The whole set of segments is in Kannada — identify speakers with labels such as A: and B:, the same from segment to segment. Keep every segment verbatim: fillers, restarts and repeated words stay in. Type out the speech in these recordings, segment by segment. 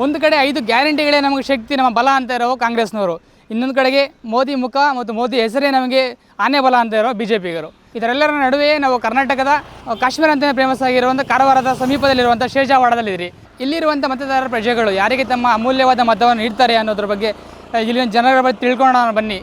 A: ಒಂದು ಕಡೆ ಐದು ಗ್ಯಾರಂಟಿಗಳೇ ನಮಗೆ ಶಕ್ತಿ, ನಮ್ಮ ಬಲ ಅಂತ ಇರೋ ಕಾಂಗ್ರೆಸ್ನವರು, ಇನ್ನೊಂದು ಕಡೆಗೆ ಮೋದಿ ಮುಖ ಮತ್ತು ಮೋದಿ ಹೆಸರೇ ನಮಗೆ ಆನೆ ಬಲ ಅಂತ ಇರೋ ಬಿ ಜೆ ಪಿಗರು. ಇದರೆಲ್ಲರ ನಡುವೆ ನಾವು ಕರ್ನಾಟಕದ ಕಾಶ್ಮೀರ ಅಂತಲೇ ಫೇಮಸ್ ಆಗಿರುವಂಥ ಕಾರವಾರದ ಸಮೀಪದಲ್ಲಿರುವಂಥ ಶೇಜಾವಾಡದಲ್ಲಿದ್ದೀರಿ. ಇಲ್ಲಿರುವಂಥ ಮತದಾರರ ಪ್ರಜೆಗಳು ಯಾರಿಗೆ ತಮ್ಮ ಅಮೂಲ್ಯವಾದ ಮತವನ್ನು ನೀಡ್ತಾರೆ ಅನ್ನೋದ್ರ ಬಗ್ಗೆ ಇಲ್ಲಿನ ಜನರ ಬಗ್ಗೆ ತಿಳ್ಕೊಳ್ಳೋಣ ಬನ್ನಿ.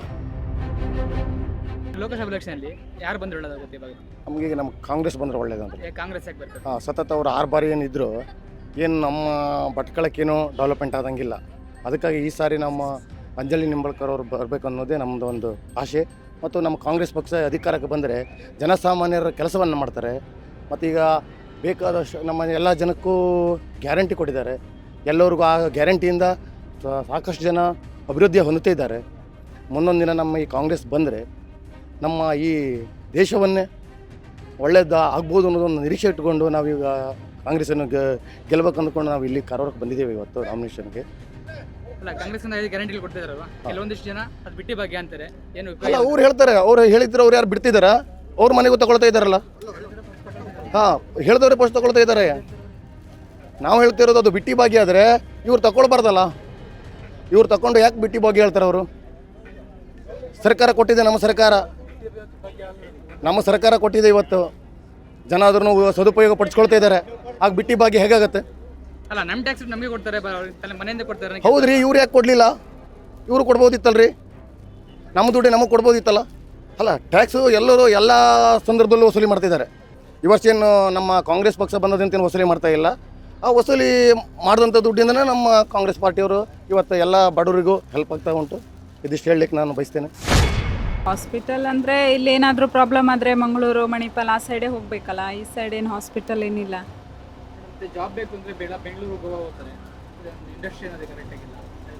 A: ಲೋಕಸಭಾ ಎಲೆಕ್ಷನಲ್ಲಿ ಯಾರು ಬಂದ್ರೆ ಒಳ್ಳೆದಾಗುತ್ತೆ ಇವಾಗ?
B: ನಮಗೆ ನಮ್ಮ ಕಾಂಗ್ರೆಸ್ ಬಂದರೆ ಒಳ್ಳೇದಂತ.
A: ಕಾಂಗ್ರೆಸ್ ಯಾಕೆ ಬರ್ತದೆ?
B: ಹಾಂ, ಸತತ ಅವರು ಆರು ಬಾರಿ ಏನಿದ್ರು ಏನು ನಮ್ಮ ಭಟ್ಕಳಕ್ಕೇನು ಡೆವಲಪ್ಮೆಂಟ್ ಆದಂಗಿಲ್ಲ. ಅದಕ್ಕಾಗಿ ಈ ಸಾರಿ ನಮ್ಮ ಅಂಜಲಿ ನಿಂಬಳ್ಕರ್ ಅವರು ಬರಬೇಕು ಅನ್ನೋದೇ ನಮ್ಮದು ಒಂದು ಆಸೆ. ಮತ್ತು ನಮ್ಮ ಕಾಂಗ್ರೆಸ್ ಪಕ್ಷ ಅಧಿಕಾರಕ್ಕೆ ಬಂದರೆ ಜನಸಾಮಾನ್ಯರ ಕೆಲಸವನ್ನು ಮಾಡ್ತಾರೆ. ಮತ್ತು ಈಗ ಬೇಕಾದಷ್ಟು ನಮ್ಮ ಎಲ್ಲ ಜನಕ್ಕೂ ಗ್ಯಾರಂಟಿ ಕೊಟ್ಟಿದ್ದಾರೆ. ಎಲ್ಲರಿಗೂ ಆ ಗ್ಯಾರಂಟಿಯಿಂದ ಸಾಕಷ್ಟು ಜನ ಅಭಿವೃದ್ಧಿ ಹೊಂದುತ್ತಾ ಇದ್ದಾರೆ. ಮುಂದೊಂದು ದಿನ ನಮ್ಮ ಈ ಕಾಂಗ್ರೆಸ್ ಬಂದರೆ ನಮ್ಮ ಈ ದೇಶವನ್ನೇ ಒಳ್ಳೆಯದು ಆಗ್ಬೋದು ಅನ್ನೋದೊಂದು ನಿರೀಕ್ಷೆ ಇಟ್ಟುಕೊಂಡು ನಾವೀಗ ಕಾಂಗ್ರೆಸ್ಸನ್ನು ಗೆಲ್ಲಬೇಕು ಅಂದ್ಕೊಂಡು ನಾವು ಇಲ್ಲಿ ಕಾರವಾರಕ್ಕೆ ಬಂದಿದ್ದೇವೆ ಇವತ್ತು ನಾಮಿನೇಷನ್ಗೆ.
A: ಅಲ್ಲ, ಕಾಂಗ್ರೆಸ್ ಗ್ಯಾರಂಟಿ ಕೊಡ್ತಿದಾರಲ್ವಾ, ಕೆಲವೊಂದಿಷ್ಟು ಜನ ಅದು ಬಿಟ್ಟಿ ಬಗ್ಗೆ ಅಂತಾರೆ. ಏನು
B: ಅಲ್ಲ, ಅವ್ರು ಹೇಳ್ತಾರೆ, ಅವ್ರು ಹೇಳಿದ್ರು ಅವ್ರು ಯಾರು ಬಿಡ್ತಿದಾರ? ಅವ್ರ ಮನೆಗೂ ತಗೊಳ್ತಾ ಇದ್ದಾರಲ್ಲ. ಹಾಂ, ಹೇಳಿದವ್ರೆ ಪೋಸ್ಟ್ ತಗೊಳ್ತಾ ಇದ್ದಾರೆ. ನಾವು ಹೇಳ್ತಿರೋದು ಅದು ಬಿಟ್ಟಿ ಭಾಗ್ಯ ಆದರೆ ಇವ್ರು ತಗೊಳ್ಬಾರ್ದಲ್ಲ. ಇವ್ರು ತಗೊಂಡು ಯಾಕೆ ಬಿಟ್ಟಿ ಭಾಗ್ಯ ಹೇಳ್ತಾರೆ? ಅವರು ಸರ್ಕಾರ ಕೊಟ್ಟಿದೆ, ನಮ್ಮ ಸರ್ಕಾರ ನಮ್ಮ ಸರ್ಕಾರ ಕೊಟ್ಟಿದೆ. ಇವತ್ತು ಜನ ಅದನ್ನು ಸದುಪಯೋಗ ಪಡಿಸ್ಕೊಳ್ತಾ ಇದ್ದಾರೆ. ಆಗ ಬಿಟ್ಟಿ ಭಾಗ್ಯ ಹೇಗಾಗತ್ತೆ?
A: ಅಲ್ಲ, ನಮ್ಮ ಟ್ಯಾಕ್ಸ್ ನಮಗೆ ಕೊಡ್ತಾರೆ, ಮನೆಯಿಂದ ಕೊಡ್ತಾರೆ.
B: ಹೌದ್ರಿ, ಇವ್ರು ಯಾಕೆ ಕೊಡಲಿಲ್ಲ? ಇವರು ಕೊಡ್ಬೋದಿತ್ತಲ್ರಿ, ನಮ್ಮ ದುಡ್ಡು ನಮಗೆ ಕೊಡ್ಬೋದಿತ್ತಲ್ಲ. ಅಲ್ಲ, ಟ್ಯಾಕ್ಸು ಎಲ್ಲರೂ ಎಲ್ಲ ಸಂದರ್ಭದಲ್ಲೂ ವಸೂಲಿ ಮಾಡ್ತಿದ್ದಾರೆ. ಈ ವರ್ಷ ಏನು ನಮ್ಮ ಕಾಂಗ್ರೆಸ್ ಪಕ್ಷ ಬಂದದಂತೇನು ವಸೂಲಿ ಮಾಡ್ತಾ ಇಲ್ಲ. ಆ ವಸೂಲಿ ಮಾಡಿದಂಥ ದುಡ್ಡಿಂದನೇ ನಮ್ಮ ಕಾಂಗ್ರೆಸ್ ಪಾರ್ಟಿಯವರು ಇವತ್ತು ಎಲ್ಲ ಬಡವರಿಗೂ ಹೆಲ್ಪ್ ಆಗ್ತಾ ಉಂಟು. ಇದಿಷ್ಟು ಹೇಳಲಿಕ್ಕೆ ನಾನು ಬಯಸ್ತೇನೆ.
C: ಹಾಸ್ಪಿಟಲ್ ಅಂದರೆ ಇಲ್ಲಿ ಏನಾದರೂ ಪ್ರಾಬ್ಲಮ್ ಆದರೆ ಮಂಗಳೂರು, ಮಣಿಪಾಲ್ ಆ ಸೈಡೇ ಹೋಗಬೇಕಲ್ಲ. ಈ ಸೈಡ್ ಏನು ಹಾಸ್ಪಿಟಲ್ ಏನಿಲ್ಲ.
A: ಜಾಬ್ ಬೇಕು ಅಂದರೆ ಬೇಡ, ಬೆಂಗಳೂರು ಹೋಗ್ತಾರೆ. ಇಂಡಸ್ಟ್ರಿ ಅನ್ನೋದು ಕರೆಕ್ಟ್ ಆಗಿಲ್ಲ.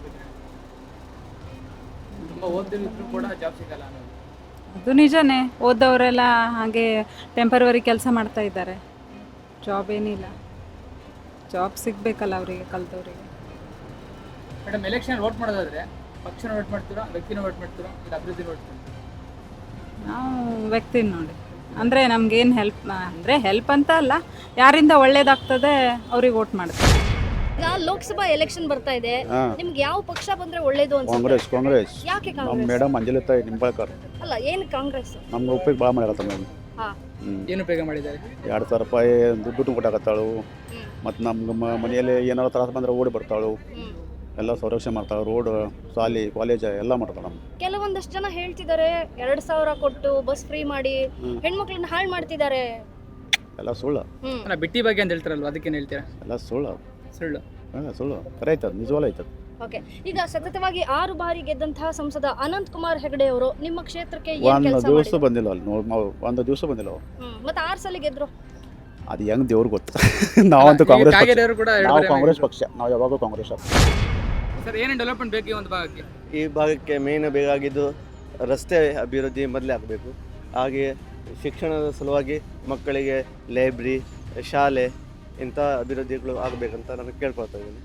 A: ತುಂಬ ಓದಿದ್ರು ಕೂಡ ಜಾಬ್ ಸಿಗಲ್ಲ ಅನ್ನೋದು
C: ಅದು ನಿಜನೇ. ಓದವರೆಲ್ಲ ಹಾಗೆ ಟೆಂಪರವರಿ ಕೆಲಸ ಮಾಡ್ತಾ ಇದ್ದಾರೆ. ಜಾಬ್ ಏನಿಲ್ಲ. ಜಾಬ್ ಸಿಗಬೇಕಲ್ಲ ಅವರಿಗೆ, ಕಲ್ತವರಿಗೆ.
A: ಮೇಡಮ್, ಎಲೆಕ್ಷನ್ ವೋಟ್ ಮಾಡೋದಾದ್ರೆ ಪಕ್ಷನ ವೋಟ್ ಮಾಡ್ತೀರಾ, ವ್ಯಕ್ತಿನ ವೋಟ್ ಮಾಡ್ತೀರಾ, ಇಲ್ಲ ಅಭಿವೃದ್ಧಿ ವೋಟ್ ಮಾಡ್ತೀರಾ?
C: ನಾವು ವ್ಯಕ್ತಿನ ನೋಡಿ, ಅಂದರೆ ನಮಗೇನು ಹೆಲ್ಪ್ ಅಂದರೆ ಹೆಲ್ಪ್ ಅಂತ ಅಲ್ಲ, ಯಾರಿಂದ ಒಳ್ಳೇದಾಗ್ತದೆ ಅವ್ರಿಗೆ ವೋಟ್ ಮಾಡ್ತೀವಿ.
D: ಈಗ ಲೋಕಸಭಾ ಎಲೆಕ್ಷನ್ ಬರ್ತಾ ಇದೆ, ನಿಮ್ಗೆ ಯಾವ ಪಕ್ಷ ಬಂದ್ರೆ ಒಳ್ಳೇದು ಅಂತ?
E: ಕಾಂಗ್ರೆಸ್. ಕಾಂಗ್ರೆಸ್
D: ಯಾಕೆ
E: ನಮ್ಮ
D: ಕಾಂಗ್ರೆಸ್?
E: ಮೇಡಮ್ ಅಂಜಲಿ ತಾಯಿ ನಿಂಬಳ್ಕರ್.
D: ಅಲ್ಲ, ಏನು ಕಾಂಗ್ರೆಸ್
E: ನಮ್ಗೆ ಉಪಯೋಗ ಭಾಳ ಮಾಡ್ಯಾರ ಮೇಡಮ್.
D: ಹಾಂ,
A: ಏನು ಉಪಯೋಗ ಮಾಡಿದ್ದಾರೆ?
E: ಎರಡು ಸಾವಿರ ರೂಪಾಯಿ ದುಡ್ಡು ಕೊಟ್ಟಾಕತ್ತಾಳು. ಮತ್ತು ನಮ್ಗೆ ಮನೆಯಲ್ಲಿ ಏನಾರು ತ್ರಾಸ ಬಂದರೆ ಓಡಿ ಬರ್ತಾಳು. ಎಲ್ಲ ಸಂರಕ್ಷಣೆ ಮಾಡ್ತಾಳೆ. ರೋಡ್, ಶಾಲೆ, ಕಾಲೇಜ್ ಎಲ್ಲ ಮಾಡ್ತಾಳೆ. ನಮ್ಮ
D: ಕೆಲವೊಂದಷ್ಟು ಜನ ಹೇಳ್ತಿದ್ದಾರೆ ಎರಡು ಸಾವಿರ ಕೊಟ್ಟು ಬಸ್ ಫ್ರೀ ಮಾಡಿ ಹೆಣ್ಮಕ್ಳನ್ನ ಹಾಳು ಮಾಡ್ತಿದ್ದಾರೆ.
E: ಎಲ್ಲ ಸುಳ್ಳು.
A: ಅಲ್ಲ, ಬಿಟ್ಟಿ ಬಗ್ಗೆ ಅಂತ ಹೇಳ್ತಾರಲ್ವ, ಅದಕ್ಕೇನು ಹೇಳ್ತೀರಾ?
E: ಎಲ್ಲ ಸುಳ್ಳು.
A: ಸುಳ್ಳು.
E: ಹಾಂ, ಸುಳ್ಳು. ಕರೆ ಆಯ್ತದ, ನಿಜವಾಗ್ಲೂ ಆಯ್ತದ.
D: ಓಕೆ, ಈಗ ಸತತವಾಗಿ ಆರು ಬಾರಿ ಗೆದ್ದಂತಹ ಸಂಸದ ಅನಂತ್ ಕುಮಾರ್ ಹೆಗಡೆ ಅವರು ನಿಮ್ಮ ಕ್ಷೇತ್ರಕ್ಕೆ ಏನು
E: ಒಂದು
D: ಕೆಲಸ
E: ದಿವಸ
D: ಮಾಡಿದ್ರು?
E: ಬಂದಿಲ್ಲ ಅಲ್ಲಿ ನೋಡಿ. ನಾವು ಒಂದು ದಿವಸ ಬಂದಿಲ್ಲ ಅವ್ರು.
D: ಹ್ಮ್, ಮತ್ತೆ ಆರು ಸಲ ಗೆದ್ರು.
E: ಅದು ಹೆಂಗೆ ದೇವ್ರಿಗೆ ಗೊತ್ತು. ನಾವಂತೂ ಕಾಂಗ್ರೆಸ್ ಪಕ್ಷ.
A: ಕಾಗೇರಿಯವರು ಕೂಡ ಎರಡು
E: ನಾವು
A: ಬಾರಿ
E: ಕಾಂಗ್ರೆಸ್ ಪಕ್ಷ. ನಾವು ಯಾವಾಗೂ ಕಾಂಗ್ರೆಸ್.
A: ಸರ್, ಏನೇನು ಡೆವಲಪ್ಮೆಂಟ್ ಬೇಕು ಈ ಒಂದು ಭಾಗಕ್ಕೆ?
F: ಈ ಭಾಗಕ್ಕೆ ಮೇನ್ ಬೇಕಾಗಿದ್ದು ರಸ್ತೆ ಅಭಿವೃದ್ಧಿ ಮೊದಲೇ ಆಗಬೇಕು. ಹಾಗೆ ಶಿಕ್ಷಣದ ಸಲುವಾಗಿ ಮಕ್ಕಳಿಗೆ ಲೈಬ್ರರಿ, ಶಾಲೆ ಇಂಥ ಅಭಿವೃದ್ಧಿಗಳು ಆಗಬೇಕಂತ ನಾನು ಕೇಳ್ಕೊಳ್ತಾ ಇದ್ದೀನಿ.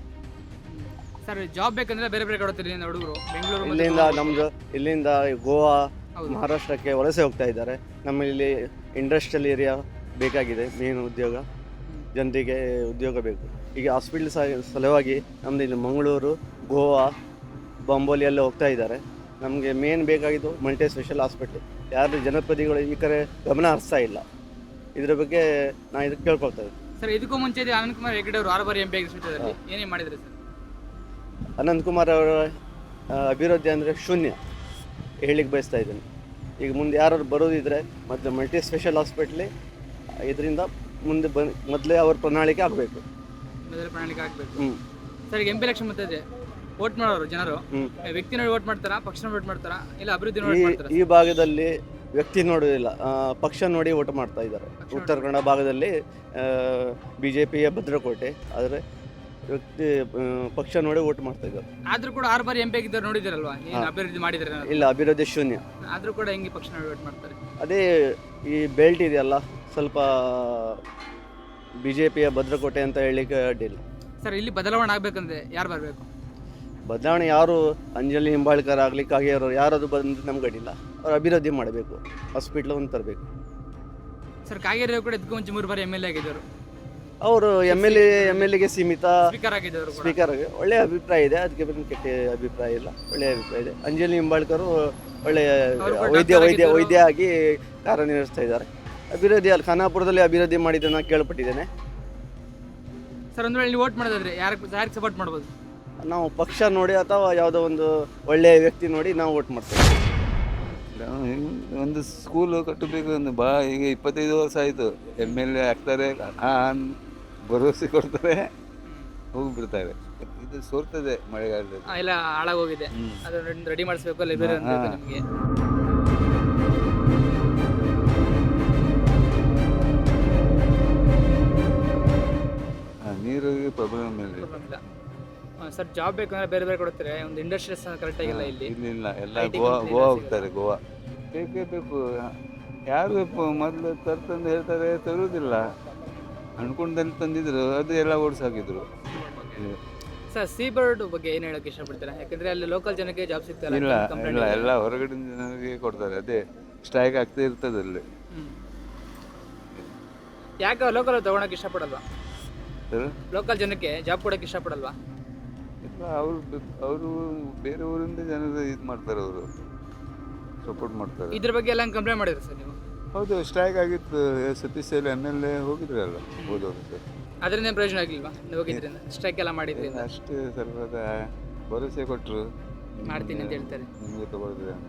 A: ಸರ್, ಜಾಬ್ ಬೇಕಂದ್ರೆ ಬೇರೆ ಬೇರೆ ಕಡೆ ಹುಡುಗರು ಬೆಂಗಳೂರು,
F: ಇಲ್ಲಿಂದ ನಮ್ಮದು ಇಲ್ಲಿಂದ ಗೋವಾ, ಮಹಾರಾಷ್ಟ್ರಕ್ಕೆ ವಲಸೆ ಹೋಗ್ತಾ ಇದ್ದಾರೆ. ನಮ್ಮಲ್ಲಿ ಇಂಡಸ್ಟ್ರಿಯಲ್ ಏರಿಯಾ ಬೇಕಾಗಿದೆ. ಮೇನ್ ಉದ್ಯೋಗ, ಜನರಿಗೆ ಉದ್ಯೋಗ ಬೇಕು. ಈಗ ಹಾಸ್ಪಿಟಲ್ ಸಲುವಾಗಿ ನಮ್ಮದು ಇಲ್ಲಿ ಮಂಗಳೂರು, ಗೋವಾ, ಬಾಂಬೋಲಿ ಎಲ್ಲ ಹೋಗ್ತಾ ಇದ್ದಾರೆ. ನಮಗೆ ಮೇನ್ ಬೇಕಾಗಿದ್ದು ಮಲ್ಟಿ ಸ್ಪೆಷಲ್ ಹಾಸ್ಪಿಟ್ಲ್. ಯಾರು ಜನಪ್ರತಿನಿಧಿಗಳು ಈ ಕಡೆ ಗಮನ ಹರಿಸ್ತಾ ಇಲ್ಲ. ಇದ್ರ ಬಗ್ಗೆ ನಾನು ಇದಕ್ಕೆ ಕೇಳ್ಕೊಳ್ತೇವೆ.
A: ಸರ್, ಇದಕ್ಕೂ ಮುಂಚೆ ಅನಂತ್ ಕುಮಾರ್ ಹೆಗಡೆ ಅವರು ಆರು ಬಾರಿ ಎಂ ಪಿ ಆಗಿದ್ದಾರೆ, ಏನೇ ಮಾಡಿದ್ರು ಸರ್?
F: ಅನಂತಕುಮಾರ್ ಅವರ ಅಭಿವೃದ್ಧಿ ಅಂದರೆ ಶೂನ್ಯ ಹೇಳಿಕ್ಕೆ ಬಯಸ್ತಾ ಇದ್ದೀನಿ. ಈಗ ಮುಂದೆ ಯಾರು ಬರೋದಿದ್ರೆ ಮತ್ತು ಮಲ್ಟಿ ಸ್ಪೆಷಲ್ ಹಾಸ್ಪಿಟ್ಲಿ ಇದರಿಂದ ಮುಂದೆ ಬನ್ ಮೊದಲೇ ಅವ್ರ ಪ್ರಣಾಳಿಕೆ ಆಗಬೇಕು.
A: ಮೊದಲ ಪ್ರಣಾಳಿಕೆ ಆಗಬೇಕು.
F: ಹ್ಞೂ
A: ಸರ್, ಈಗ ಎಂ ಪಿ ಎಲೆಕ್ಷನ್ ಮತ್ತೆ ವೋಟ್ ಮಾಡೋರು ಜನರು
F: ಹ್ಞೂ
A: ವ್ಯಕ್ತಿ ನೋಡಿ ವೋಟ್ ಮಾಡ್ತಾರಾ, ಪಕ್ಷ ನೋಡಿ ವೋಟ್ ಮಾಡ್ತಾರಾ, ಇಲ್ಲ ಅಭಿವೃದ್ಧಿ ನೋಡಿ
F: ಈ
A: ಮಾಡ್ತಾರಾ?
F: ಈ ಭಾಗದಲ್ಲಿ ವ್ಯಕ್ತಿ ನೋಡೋದಿಲ್ಲ, ಪಕ್ಷ ನೋಡಿ ಓಟ್ ಮಾಡ್ತಾ ಇದ್ದಾರೆ. ಉತ್ತರ ಕನ್ನಡ ಭಾಗದಲ್ಲಿ ಬಿ ಜೆ ಪಿಯ ಭದ್ರಕೋಟೆ, ಆದರೆ ವ್ಯಕ್ತಿ ಪಕ್ಷ ನೋಡಿ ಓಟ್ ಮಾಡ್ತಾ ಇದ್ದಾರೆ.
A: ಆದ್ರೂ ಕೂಡ ಆರು ಬಾರಿ ಎಂ ಪಿ ಆಗಿದ್ದಾರೆ, ನೋಡಿದಿರಲ್ವಾ ಏನು ಅಭಿವೃದ್ಧಿ ಮಾಡಿದ್ದಾರೆ?
F: ಇಲ್ಲ, ಅಭಿವೃದ್ಧಿ ಶೂನ್ಯ.
A: ಆದ್ರೂ ಕೂಡ ಹೆಂಗೆ ಪಕ್ಷ ನೋಡಿ ವೋಟ್ ಮಾಡ್ತಾರೆ?
F: ಅದೇ ಈ ಬೆಲ್ಟ್ ಇದೆಯಲ್ಲ, ಸ್ವಲ್ಪ ಬಿ ಜೆ ಪಿಯ ಭದ್ರಕೋಟೆ ಅಂತ ಹೇಳಲಿಕ್ಕೆ ಅಡ್ಡಿಲ್ಲ.
A: ಸರ್, ಇಲ್ಲಿ ಬದಲಾವಣೆ ಆಗ್ಬೇಕಂದ್ರೆ ಯಾರು ಬರಬೇಕು?
F: ಬದಲಾವಣೆ ಯಾರು ಅಂಜಲಿ ನಿಂಬಾಳ್ಕರ್ ಆಗಲಿ, ಕಾಗೇರವರು ಯಾರಾದ್ರು ಬಂದು ನಮ್ಗೆ ಅಡ್ಡಿಲ್ಲ. ಅವ್ರು ಅಭಿವೃದ್ಧಿ ಮಾಡಬೇಕು, ಹಾಸ್ಪಿಟ್ಲ್ ಒಂದು ತರಬೇಕು.
A: ಸರ್, ಕಾಗೇರಿ ಕೂಡ ಇದಕ್ಕೂ ಮುಂಚೆ ಮೂರು ಬಾರಿ ಎಮ್ ಎಲ್ ಎ ಆಗಿದ್ದರು.
F: ಅವರು M L A M L ಎಗೆ ಸೀಮಿತ
A: ಸ್ಪೀಕರ್ ಆಗಿದ್ದವರು ಕೂಡ.
F: ಸ್ಪೀಕರ್ ಒಳ್ಳೆಯ ಅಭಿಪ್ರಾಯ ಇದೆ, ಅದಕ್ಕೆ ಏನು ಕೆಟ್ಟ ಅಭಿಪ್ರಾಯ ಇಲ್ಲ, ಒಳ್ಳೆಯ ಅಭಿಪ್ರಾಯ ಇದೆ. ಅಂಜಲಿ ನಿಂಬಾಳ್ಕರು ಒಳ್ಳೆಯ
A: ಅವರು ಕೂಡ
F: ವೈದ್ಯ
A: ಡಾಕ್ಟರ್
F: ವೈದ್ಯ
A: ಆಗಿದ್ದರು.
F: ವೈದ್ಯ ಆಗಿ ಕಾರ್ಯನಿರ್ವಹಿಸ್ತಾ ಇದ್ದಾರೆ. ಅಭಿವೃದ್ಧಿ ಅಲ್ಲಿ ಖಾನಾಪುರದಲ್ಲಿ ಅಭಿವೃದ್ಧಿ ಮಾಡಿದ್ದನ್ನು ಕೇಳ್ಪಟ್ಟಿದ್ದೇನೆ.
A: ಸರ್ ಒಂದು ವೇಳೆ ನೀವು ವೋಟ್ ಮಾಡೋದಾದ್ರೆ ಯಾರಿಗೆ ಯಾರಿಗೆ ಸಪೋರ್ಟ್ ಮಾಡ್ಬೋದು?
F: ನಾವು ಪಕ್ಷ ನೋಡಿ ಅಥವಾ ಯಾವುದೋ ಒಂದು ಒಳ್ಳೆಯ ವ್ಯಕ್ತಿ ನೋಡಿ ನಾವು ವೋಟ್ ಮಾಡ್ತೇವೆ.
G: ಒಂದು ಸ್ಕೂಲು ಕಟ್ಟಬೇಕು ಒಂದು ಬಾ ಈಗ ಇಪ್ಪತ್ತೈದು ವರ್ಷ ಆಯಿತು. ಎಮ್ ಎಲ್ ಎ ಆಗ್ತಾರೆ, ಹಾಂ ಭರವಸೆ ಕೊಡ್ತಾರೆ, ಹೋಗಿಬಿಡ್ತಾರೆ. ಇದು ಸೋರ್ತದೆ ಮಳೆಗಾಲದಲ್ಲಿ.
A: ಆ, ಎಲ್ಲ ಹಾಳಾಗೋಗಿದೆ.
G: ಹ್ಮ್.
A: ಅದನ್ನ ರೆಡಿ ಮಾಡಿಸ್ಬೇಕು ಲೈಬ್ರರಿ ಅಂತ
G: ಹಾ.
A: ನಿಮಗೆ.
G: ಹಾಂ, ನೀರಿಗೆ ಪ್ರಾಬ್ಲಮ್ ಇಲ್ಲ.
A: ಇಲ್ಲ ಸರ್, ಜಾಬ್ ಬೇಕಂದ್ರೆ ಬೇರೆ ಬೇರೆ ಕೊಡ್ತಾರೆ. ಒಂದು ಇಂಡಸ್ಟ್ರೀಸ್ ಕರೆಕ್ಟ್ ಆಗಿಲ್ಲ ಇಲ್ಲಿ.
G: ಇಲ್ಲ ಇಲ್ಲ ಎಲ್ಲ
A: I T
G: Goa
A: company
G: Goa
A: ಎಲ್ಲ
G: ಹೋಗ್ತಾರೆ. ಗೋವಾ ಬೇಕೇ ಬೇಕು. ಯಾರು ಮೊದಲು ತರ್ತಂದು ಹೇಳ್ತಾರೆ, ತರುವುದಿಲ್ಲ. ಅನ್ಕೊಂಡಲ್ಲಿ ತಂದಿದ್ರು, ಅದು ಎಲ್ಲ ಓಡಿಸಾಕಿದ್ರು.
A: ಸರ್, ಸೀ ಬರ್ಡ್ ಬಗ್ಗೆ ಏನು ಹೇಳಕ್ಕೆ ಇಷ್ಟಪಡ್ತೀರಾ? ಯಾಕಂದ್ರೆ ಅಲ್ಲಿ ಲೋಕಲ್ ಜನಕ್ಕೆ ಜಾಬ್ ಸಿಗ್ತಾರೆ.
G: ಇಲ್ಲ ಇಲ್ಲ ಎಲ್ಲ ಹೊರಗಡೆ ಜನರಿಗೆ ಕೊಡ್ತಾರೆ. ಅದೇ ಸ್ಟ್ರೈಕ್ ಆಗ್ತಾ ಇರ್ತದೆ ಅಲ್ಲಿ.
A: ಯಾಕೆ ಲೋಕಲ್ ತಗೊಳಕ್ಕೆ ಇಷ್ಟಪಡಲ್ವಾ?
G: ಸರ್,
A: ಲೋಕಲ್ ಜನಕ್ಕೆ ಜಾಬ್ ಕೊಡಕ್ಕೆ ಇಷ್ಟಪಡಲ್ವಾ?
G: ಇಲ್ಲ ಅವರು ಅವರು ಬೇರೆ ಊರಿಂದ ಜನರು ಇದು ಮಾಡ್ತಾರೆ, ಅವರು ಸಪೋರ್ಟ್ ಮಾಡ್ತಾರೆ.
A: ಇದ್ರ ಬಗ್ಗೆ ಎಲ್ಲ ಕಂಪ್ಲೇಂಟ್ ಮಾಡಿದ್ರಿ ಸರ್ ನೀವು?
G: ಹೌದು, ಸ್ಟ್ರೈಕ್ ಆಗಿತ್ತು. Satish L M L A ಹೋಗಿದ್ರಲ್ಲ ಹೋದವರು.
A: ಅದರಿಂದ ಏನ್ ಪ್ರಯೋಜನ ಆಗಿಲ್ವಾ ನೀವು ಹೋಗಿದ್ರಿಂದ? ಸ್ಟ್ರೈಕ್ ಎಲ್ಲ ಮಾಡಿದ್ರಿಂದ?
G: ಅಷ್ಟೇ ಸ್ವಲ್ಪ ಭರವಸೆ ಕೊಟ್ಟರು,
A: ಮಾಡ್ತೀನಿ ಅಂತ ಹೇಳ್ತಾರೆ.
G: ನಿಮಗೆ ತಗೊಳ್ತೀವಿ ಅಂತ.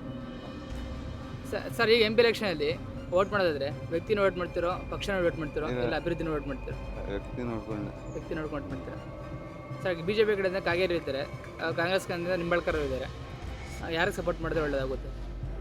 A: ಸ- ಸರ್, ಈಗ ಎಂ ಪಿ ಎಲೆಕ್ಷನಲ್ಲಿ ವೋಟ್ ಮಾಡೋದಾದ್ರೆ ವ್ಯಕ್ತಿನ ವೋಟ್ ಮಾಡ್ತಿರೋ, ಪಕ್ಷನ ವೋಟ್ ಮಾಡ್ತಿರೋ,
G: ಇಲ್ಲ.
A: ಇಲ್ಲ ಅಭಿವೃದ್ಧಿನ ವೋಟ್ ಮಾಡ್ತಿರೋ?
G: ವ್ಯಕ್ತಿ ನೋಡ್ಕೊಂಡು
A: ವ್ಯಕ್ತಿ ನೋಡ್ಕೊಂಡು ವೋಟ್ ಮಾಡ್ತೀರಾ? ಸರ್, ಬಿ ಜೆ ಪಿ ಕಡೆಯಿಂದ ಕಾಗೇರಿ ಇದ್ದಾರೆ, ಆ, ಕಾಂಗ್ರೆಸ್ ಕಡೆಯಿಂದ ನಿಂಬಾಳ್ಕರ್ ಇದ್ದಾರೆ. ಆ, ಯಾರಿಗೆ ಸಪೋರ್ಟ್ ಮಾಡಿದ್ರೆ ಒಳ್ಳೇದಾಗುತ್ತೆ?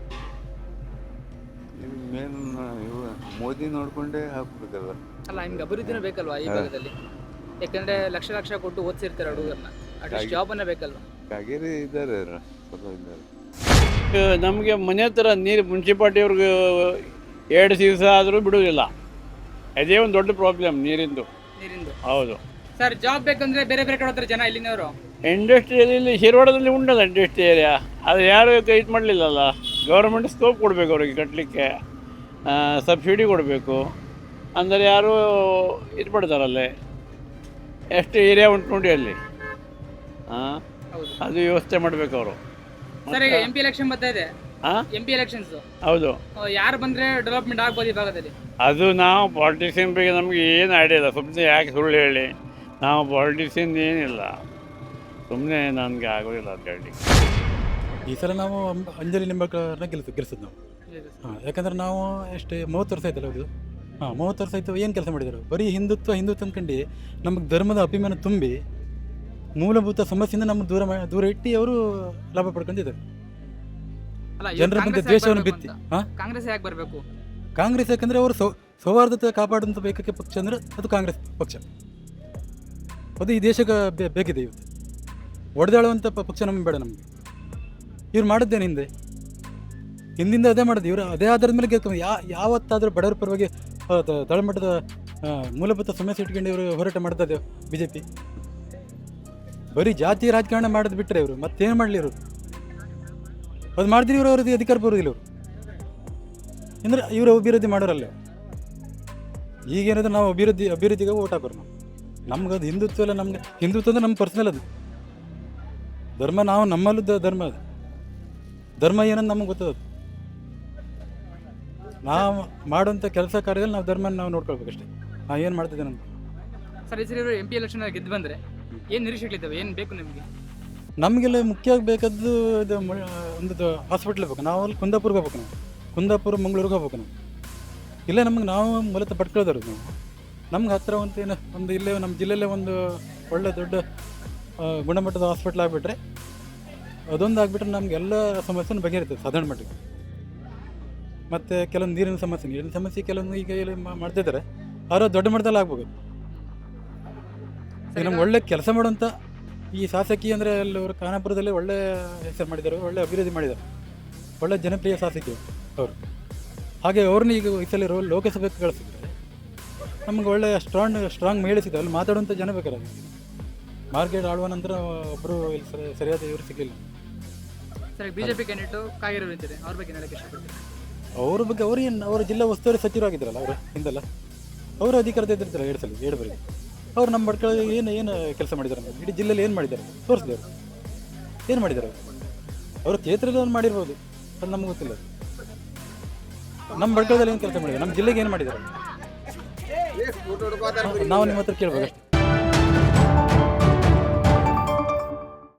G: ಮೇನ್ ಇವು ಮೋದಿ ನೋಡ್ಕೊಂಡೇ ಹಾಕ್ಬೇಕಲ್ಲ.
A: ಅಲ್ಲ, ನಿಮ್ಗೆ ಅಭಿವೃದ್ಧಿನೂ ಬೇಕಲ್ವಾ ಈ ಭಾಗದಲ್ಲಿ? ಯಾಕಂದ್ರೆ ಲಕ್ಷ ಲಕ್ಷ ಕೊಟ್ಟು ಓದಿಸಿರ್ತಾರೆ ಹುಡುಗರನ್ನ, ಅಟ್ಲೀಸ್ಟ್ ಜಾಬನ್ನ ಬೇಕಲ್ವಾ?
G: ಕಾಗೇರಿ ಇದ್ದಾರೆ, ಸ್ವಲ್ಪ ಇದ್ದಾರೆ.
H: ನಮಗೆ ಮನೆ ಹತ್ರ ನೀರು ಮುನ್ಸಿಪಾಲ್ಟಿಯವ್ರಿಗೆ ಎರಡು ದಿವಸ ಆದರೂ ಬಿಡುವುದಿಲ್ಲ. ಅದೇ ಒಂದು ದೊಡ್ಡ ಪ್ರಾಬ್ಲಮ್ ನೀರಿಂದು.
A: ನೀರಿಂದು.
H: ಹೌದು.
A: ಸರ್, ಜಾಬ್ ಬೇಕಂದ್ರೆ ಬೇರೆ ಬೇರೆ ಕಡೆ ಹೋಗ್ತಾರೆ ಜನ ಇಲ್ಲಿನವರು.
H: ಇಂಡಸ್ಟ್ರಿಯಲ್ಲಿ ಶಿರವಾಡದಲ್ಲಿ ಉಂಟಲ್ಲ ಇಂಡಸ್ಟ್ರಿ ಏರಿಯಾ, ಅದು ಯಾರು ಇದು ಮಾಡಲಿಲ್ಲಲ್ಲ. ಗೌರ್ಮೆಂಟ್ ಸ್ಕೋಪ್ ಕೊಡಬೇಕು ಅವ್ರಿಗೆ ಕಟ್ಟಲಿಕ್ಕೆ, ಸಬ್ಸಿಡಿ ಕೊಡಬೇಕು. ಅಂದರೆ ಯಾರು ಇದು ಮಾಡ್ತಾರಲ್ಲೇ, ಎಷ್ಟು ಏರಿಯಾ ಉಂಟು ನೋಡಿ ಅಲ್ಲಿ. ಹಾಂ,
A: ಹೌದು
H: ಅದು ವ್ಯವಸ್ಥೆ ಮಾಡಬೇಕು ಅವರು.
A: ಸರ್, ಈಗ ಎಂ ಪಿ ಎಲೆಕ್ಷನ್ ಬರ್ತಾ ಇದೆ.
H: ಹಾಂ,
A: ಎಂ ಪಿ ಎಲೆಕ್ಷನ್ಸ್
H: ಹೌದು.
A: ಯಾರು ಬಂದ್ರೆ ಡೆವಲಪ್ಮೆಂಟ್ ಆಗ್ಬೋದು ಈ ಭಾಗದಲ್ಲಿ?
H: ಅದು ನಾವು ಪಾಲಿಟಿಷಿಯನ್ ಬಗ್ಗೆ ನಮಗೆ ಏನು ಐಡಿಯಾ ಇಲ್ಲ. ಸುಮ್ಮನೆ ಯಾಕೆ ಸುಳ್ಳು ಹೇಳಿ, ನಾವು ಪಾಲಿಟಿಷಿಯನ್ ಏನಿಲ್ಲ, ಸುಮ್ಮನೆ ನನಗೆ ಆಗೋದಿಲ್ಲ ಅಂತ ಹೇಳಿ.
I: ಈ ಸಲ ನಾವು ಅಂಬ- ಅಂಜಲಿ ನಿಂಬಾಳ್ಕರ್ನ ಗೆಲ್ಸ ಗೆಲ್ಸೋದು ನಾವು. ಹಾಂ, ಯಾಕಂದ್ರೆ ನಾವು ಎಷ್ಟು ಮೂವತ್ತು ವರ್ಷ ಆಯ್ತಲ್ಲ ಹೌದು. ಹಾಂ, ಮೂವತ್ತು ವರ್ಷ ಆಯಿತು. ಏನು ಕೆಲಸ ಮಾಡಿದರು? ಬರೀ ಹಿಂದುತ್ವ ಹಿಂದುತ್ವ ಅಂದ್ಕೊಂಡು ನಮಗೆ ಧರ್ಮದ ಅಭಿಮಾನ ತುಂಬಿ ಮೂಲಭೂತ ಸಮಸ್ಯೆಯಿಂದ ನಮ್ಮ ದೂರ ಮಾ- ದೂರ ಇಟ್ಟು ಅವರು ಲಾಭ ಪಡ್ಕೊಂಡಿದ್ದಾರೆ.
A: ಅಲ್ಲ, ಇವ್ರು
I: ಜನರ ಮಧ್ಯೆ
A: ಕಾಂಗ್ರೆಸ್ ಯಾಕ್
I: ದ್ವೇಷವನ್ನು
A: ಬರ್ಬೇಕು
I: ಬಿತ್ತಿ.
A: ಅಂತ?
I: ಹಾಂ,
A: ಕಾಂಗ್ರೆಸ್ ಯಾಕೆ ಬರಬೇಕು?
I: ಕಾಂಗ್ರೆಸ್ ಯಾಕಂದರೆ ಅವರು ಸೌ ಸೌಹಾರ್ದತೆ ಕಾಪಾಡುವಂಥ ಬೇಕಕ್ಕೆ ಪಕ್ಷ ಅಂದರೆ ಅದು ಕಾಂಗ್ರೆಸ್ ಪಕ್ಷ. ಅದು ಈ ದೇಶಕ್ಕೆ ಬೇ- ಬೇಕಿದೆ ಇವತ್ತು. ಒಡೆದಾಳುವಂಥ ಪ- ಪಕ್ಷ ನಮಗೆ ಬೇಡ. ನಮಗೆ ಇವ್ರು ಮಾಡಿದ್ದೇನೆ ಹಿಂದೆ ಹಿಂದಿಂದ ಅದೇ ಮಾಡೋದು. ಇವರು ಅದೇ ಆಧಾರದ ಮೇಲೆ ಗೆಲ್ಕೊಂಡು ಯಾ ಯಾವತ್ತಾದರೂ ಬಡವರ ಪರವಾಗಿ ಆ, ತ- ತಳಮಟ್ಟದ ಆ, ಮೂಲಭೂತ ಸಮಸ್ಯೆ ಇಟ್ಕೊಂಡು ಇವರು ಹೋರಾಟ ಮಾಡ್ತಾ ಇದ್ದೇವೆ ಬಿ ಜೆ ಪಿ. ಬರೀ ಜಾತಿ ರಾಜಕಾರಣ ಮಾಡೋದು ಬಿಟ್ಟರೆ ಇವರು ಮತ್ತೇನು ಮಾಡಲಿ? ಇವರು ಅದು ಮಾಡಿದ್ರೆ ಇವರು ಅವ್ರದ್ದು ಅಧಿಕಾರ ಬರೋದಿಲ್ಲ. ಇವರು ಅಂದರೆ ಇವರು ಅಭಿವೃದ್ಧಿ ಮಾಡೋರಲ್ಲ. ಈಗೇನಾದ್ರೆ ನಾವು ಅಭಿವೃದ್ಧಿ ಅಭಿವೃದ್ಧಿಗೆ ಓಟ್ ಹಾಕೋರು ನಾವು. ನಮ್ಗೆ ಅದು ಹಿಂದುತ್ವ ಎಲ್ಲ ನಮ್ಗೆ ಹಿಂದುತ್ವ ಅಂದರೆ ನಮ್ಮ ಪರ್ಸ್ನಲ್ ಅದು ಧರ್ಮ. ನಾವು ನಮ್ಮಲ್ಲೂ ದ- ಧರ್ಮ ಅದು ಧರ್ಮ ಏನಂತ ನಮಗೆ ಗೊತ್ತದ. ನಾವು ಮಾಡುವಂಥ ಕೆಲಸ ಕಾರ್ಯದಲ್ಲಿ ನಾವು ಧರ್ಮನ ನಾವು ನೋಡ್ಕೊಳ್ಬೇಕಷ್ಟೇ. ನಾವು ಏನು ಮಾಡ್ತಿದ್ದೇನೆ ಅಂತ.
A: ಸರ್, ಈ ಸರಿ ಇವರು ಎಂ ಪಿ ಎಲೆಕ್ಷನ್ ಗೆದ್ದು ಬಂದ್ರೆ ಏನು ನಿರೀಕ್ಷೆಗಳಿದ್ದಾವೆ? ಏನು ಬೇಕು ನಿಮಗೆ?
I: ನಮಗೆಲ್ಲ ಮುಖ್ಯವಾಗಿ ಬೇಕಾದ್ದು ಇದು ಮ- ಒಂದು ಹಾಸ್ಪಿಟ್ಲ್ ಬೇಕು. ನಾವು ಅಲ್ಲಿ ಕುಂದಾಪುರ್ಗೆ ಹೋಗ್ಬೇಕು. ನಾವು ಕುಂದಾಪುರ ಮಂಗಳೂರಿಗೆ ಹೋಗ್ಬೇಕು. ನಾವು ಇಲ್ಲೇ ನಮಗೆ ನಾವು ಮೂಲತಃ ಪಡ್ಕೊಳ್ಳೋದಾರು ನಾವು. ನಮ್ಗೆ ಹತ್ತಿರ ಒಂದು ಏನು ಒಂದು ಇಲ್ಲೇ ನಮ್ಮ ಜಿಲ್ಲೆಯಲ್ಲೇ ಒಂದು ಒಳ್ಳೆ ದೊಡ್ಡ ಆ, ಗುಣಮಟ್ಟದ ಹಾಸ್ಪಿಟ್ಲ್ ಆಗಿಬಿಟ್ರೆ, ಅದೊಂದು ಆಗಿಬಿಟ್ರೆ ನಮಗೆಲ್ಲ ಸಮಸ್ಯೆನೂ ಬಗೆಹರಿತದೆ ಸಾಧಾರಣ ಮಟ್ಟಿಗೆ. ಮತ್ತು ಕೆಲವೊಂದು ನೀರಿನ ಸಮಸ್ಯೆ ನೀರಿನ ಸಮಸ್ಯೆ ಕೆಲವೊಂದು ಈಗ ಇಲ್ಲಿ ಮಾ- ಮಾಡ್ತಿದ್ದಾರೆ. ಅವರು ದೊಡ್ಡ ಮಟ್ಟದಲ್ಲಿ ಆಗ್ಬೋದು. ಈಗ ನಮ್ಗೆ ಒಳ್ಳೆ ಕೆಲಸ ಮಾಡುವಂಥ ಈ ಶಾಸಕಿ ಅಂದರೆ ಅಲ್ಲಿ ಅವರು ಖಾನಾಪುರದಲ್ಲಿ ಒಳ್ಳೆ ಹೆಸರು ಮಾಡಿದ್ದಾರೆ, ಒಳ್ಳೆ ಅಭಿವೃದ್ಧಿ ಮಾಡಿದ್ದಾರೆ, ಒಳ್ಳೆ ಜನಪ್ರಿಯ ಶಾಸಕಿ ಅವರು. ಹಾಗೆ ಅವ್ರನ್ನ ಈಗ ಈ ಸಲ ರೋ ಲೋಕಸಭೆಗೆ ಕಳಿಸಿದ್ರೆ ನಮ್ಗೆ ಒಳ್ಳೆ ಸ್ಟ್ರಾಂಗ್ ಸ್ಟ್ರಾಂಗ್ ಮಹಿಳೆ ಸಿಗ್ತದೆ. ಅಲ್ಲಿ ಮಾತಾಡುವಂಥ ಜನ ಬೇಕಾರೆ. ಮಾರ್ಕೆಟ್ ಆಳುವ ನಂತರ ಒಬ್ಬರು ಇಲ್ಲಿ ಸರಿ ಸರಿಯಾದ ಇವರು ಸಿಗಲಿಲ್ಲ.
A: ಸರ್, ಬಿಜೆಪಿ ಕ್ಯಾಂಡಿಡೇಟು ಕಾಗೇರಿ ಇದ್ದಾರೆ, ಅವ್ರ ಬಗ್ಗೆ ಹೇಳಕ್ಕೆ ಇಷ್ಟಪಡ್ತೀನಿ.
I: ಅವ್ರ ಬಗ್ಗೆ ಅವ್ರು ಏನು ಅವರ ಜಿಲ್ಲಾ ಉಸ್ತುವಾರಿ ಸಚಿವರಾಗಿದ್ದಾರಲ್ಲ ಅವರು ಹಿಂದೆಲ್ಲ. ಅವರು ಅಧಿಕಾರದ ಇದ್ದಿರ್ತಾರೆ ಎರಡು ಸಲ ಎರಡು ಬರೀ ಅವ್ರು ನಮ್ಮ ಬಡ್ಕಳ ಏನು ಏನು ಕೆಲಸ ಮಾಡಿದ್ದಾರೆ ನಮಗೆ ಇಡೀ ಜಿಲ್ಲೆಯಲ್ಲಿ ಏನು ಮಾಡಿದ್ದಾರೆ ತೋರಿಸಿದವರು ಏನು ಮಾಡಿದ್ದಾರೆ ಅವರು ಅವರು ಕ್ಷೇತ್ರದಲ್ಲಿ ಮಾಡಿರ್ಬೋದು ಅದು ನಮ್ಗೆ ಗೊತ್ತಿಲ್ಲ. ನಮ್ಮ ಬಡ್ಕಳದಲ್ಲಿ ಏನು ಕೆಲಸ ಮಾಡಿದ್ದಾರೆ, ನಮ್ಮ ಜಿಲ್ಲೆಗೆ ಏನು ಮಾಡಿದ್ದಾರೆ ನಾವು ನಿಮ್ಮ ಹತ್ರ ಕೇಳ್ಬೇಕು ಅಷ್ಟೇ.